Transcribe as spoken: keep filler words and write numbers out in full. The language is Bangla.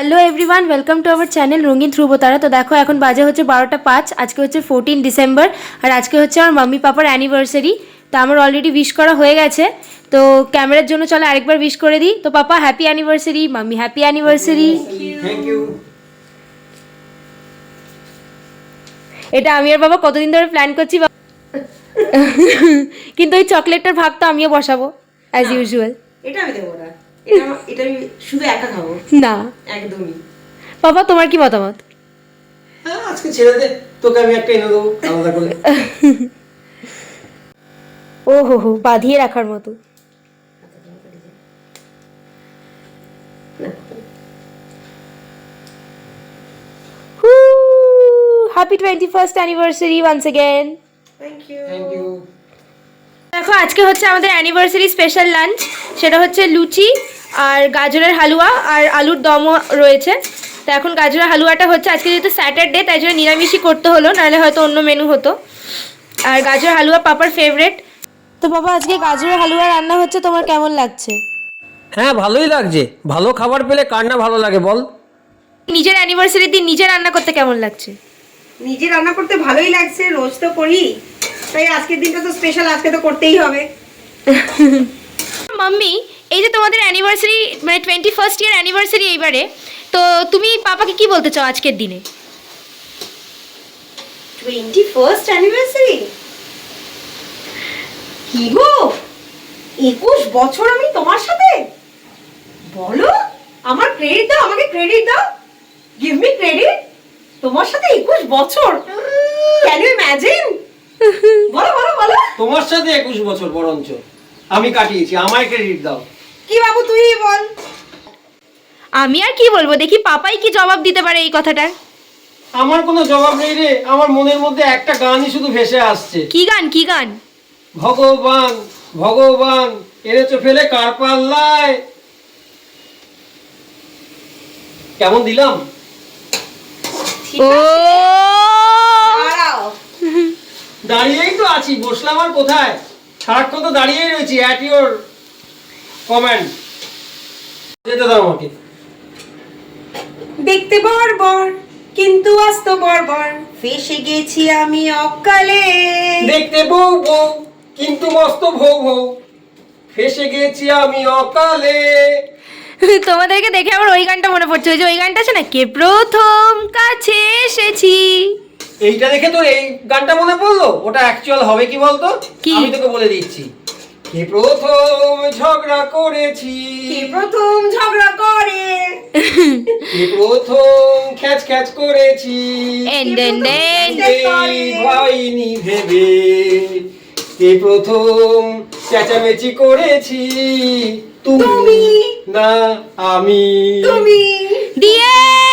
Hello everyone, welcome to our channel Rangin Dhrubatara. তো দেখো এখন বাজে হচ্ছে বারোটা পাঁচ, আজকে হচ্ছে ফোরটিন ডিসেম্বর আর আজকে হচ্ছে আমার মাম্মি পাপার অ্যানিভার্সারি। তো আমার অলরেডি উইশ করা হয়ে গেছে, তো ক্যামেরার জন্য চলো আরেকবার উইশ করে দিই। তো papa happy anniversary, mummy happy anniversary. Thank you. এটা আমি আর বাবা কতদিন ধরে প্ল্যান করছি, কিন্তু ওই চকলেটটার ভাগ তো আমিও বসাবো অ্যাজ ইউজুয়াল। এটা আমি দেবো না, এটা আমা- এটা আমি শুধু একা খাবো, না একদমই। পাপা তোমার কি মতামত? হ্যাঁ, আজকে ছেড়ে দে, তোকে আমি একটা এনে দেবো আলাদা করে। ও হো হো, বাঁধিয়ে রাখার মতো। Happy twenty first anniversary once again. Thank you. Thank you. দেখো আজকে হচ্ছে আমাদের অ্যানিভার্সারি স্পেশাল লাঞ্চ, সেটা হচ্ছে লুচি আর গাজরের হালুয়া আর আলুর দমও রয়েছে। তো এখন গাজরের হালুয়াটা হচ্ছে, আজকে যেহেতু স্যাটারডে তাই জন্য নিরামিষই করতে হলো, নাহলে হয়তো অন্য মেনু হতো। আর গাজরের হালুয়া পাপার ফেভারেট। তো বাবা আজকে গাজরের হালুয়া রান্না হচ্ছে, তোমার কেমন লাগছে? হ্যাঁ, ভালোই লাগছে। ভালো খাবার পেলে কার না ভালো লাগে বল। নিজের অ্যানিভার্সারির দিন নিজে রান্না করতে কেমন লাগছে? নিজে রান্না করতে ভালোই লাগছে, রোজ তো করি, তাই আজকের দিনটা তো স্পেশাল, আজকে তো করতেই হবে। মাম্মি, এই যে তোমাদের অ্যানিভার্সারি মানে টোয়েন্টি ফার্স্ট ইয়ার অ্যানিভার্সারি এইবারে, তো তুমি পাপাকে কি বলতে চাও আজকের দিনে? টোয়েন্টি ফার্স্ট অ্যানিভার্সারি কি গো, একুশ বছর আমি তোমার সাথে। বলো, আমার ক্রেডিট দাও, আমাকে ক্রেডিট দাও, গিভ মি ক্রেডিট। তোমার সাথে একুশ বছর, ক্যান ইউ ইমাজিন? বলো বলো বলো। তোমার সাথে একুশ বছর বরঞ্চ আমি কাটিয়েছি, আমায় ক্রেডিট দাও। কি বাবু, তুই বল। আমি আর কি বলবো, দেখি পাপাই কি জবাব দিতে পারে এই কথাটার। আমার কোনো জবাব নেই রে, আমার মনের মধ্যে একটা গানই শুধু ভেসে আসছে। কি গান কি গান? ভগবান ভগবান এনেছো ফেলে কার পাল্লায়। কেমন দিলাম? ও দাঁড়াও, দাঁড়িয়েই তো আছি, বসলাম আর কোথায়? সারাক্ষণ তো দাঁড়িয়েই রয়েছি, অ্যাট ইওর কমেন্ট। যেতে দাও আমাকে। দেখতে বর্বর কিন্তু আস্ত বর্বর, ফেসে গেছি আমি অকালে। দেখতে বউ বউ কিন্তু মস্ত ভৌ ভৌ, ফেসে গেছি আমি অকালে। তোমাদেরকে দেখে আমার ওই গানটা মনে পড়ছে, ওই যে ওই গানটা আছে না, কে প্রথম কাছে এসেছি। এইটা দেখে তোর এই গানটা মনে পড়লো? ওটা অ্যাকচুয়াল হবে কি বলতো? কি? আমি তোকে বলে দিচ্ছি। কে প্রথম ঝগড়া করেছি, কে প্রথম ঝগড়া করে, কে প্রথম খ্যাচ খ্যাচ করেছি, এন দেন দেন। এই হয়নি ভেবে, কে প্রথম চেঁচামেচি করেছি, তুমি তুমি। না আমি। তুমি। দিয়ে